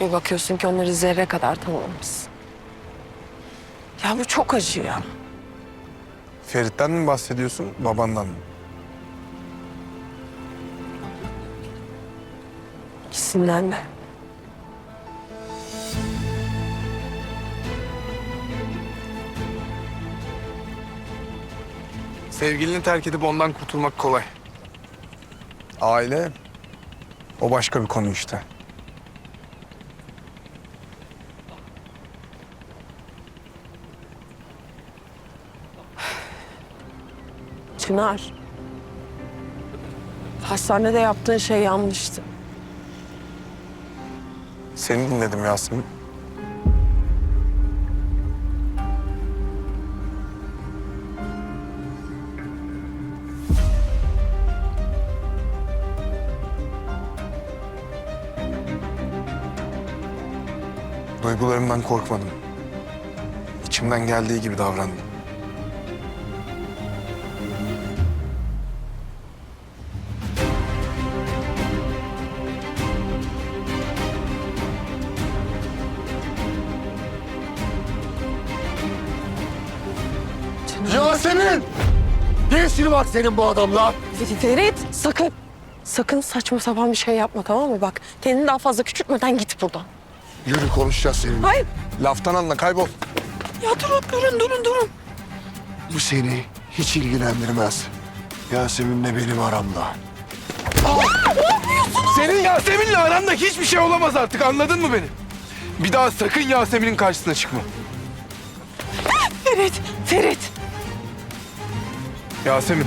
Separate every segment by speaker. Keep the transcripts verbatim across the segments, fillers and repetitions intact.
Speaker 1: Bir bakıyorsun ki onları zerre kadar tanımamışsın. Ya bu çok acı ya.
Speaker 2: Ferit'ten mi bahsediyorsun, babandan mı?
Speaker 1: İkisinden de.
Speaker 2: Sevgilini terk edip ondan kurtulmak kolay. Aile, o başka bir konu işte.
Speaker 1: Çınar. Hastanede yaptığın şey yanlıştı.
Speaker 2: Seni dinledim Yasemin. Duygularımdan korkmadım. İçimden geldiği gibi davrandım.
Speaker 3: Yasemin! Ne işin var senin bu adamla?
Speaker 1: Ferit sakın. Sakın saçma sapan bir şey yapma, tamam mı? Bak kendini daha fazla küçültmeden git buradan.
Speaker 3: Yürü konuşacağız seninle.
Speaker 1: Hayır.
Speaker 2: Laftan anla, kaybol.
Speaker 1: Ya durun durun durun durun.
Speaker 3: Bu seni hiç ilgilendirmez. Yasemin'le benim aramda.
Speaker 2: Senin Yasemin'le aranda hiçbir şey olamaz artık, anladın mı beni? Bir daha sakın Yasemin'in karşısına çıkma.
Speaker 1: Ferit, Ferit.
Speaker 2: Yasemin.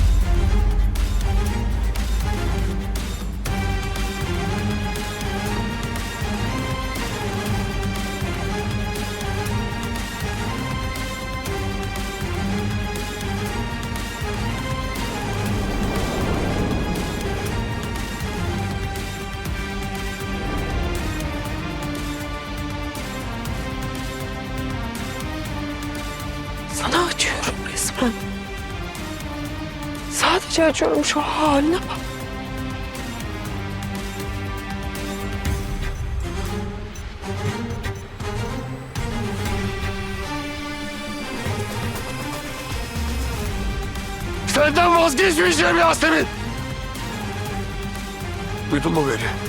Speaker 1: Sana açıyorum resmen. Sadece açıyorum, şu haline bak.
Speaker 3: Senden vazgeçmeyeceğim Yasemin! Duydun mu beni?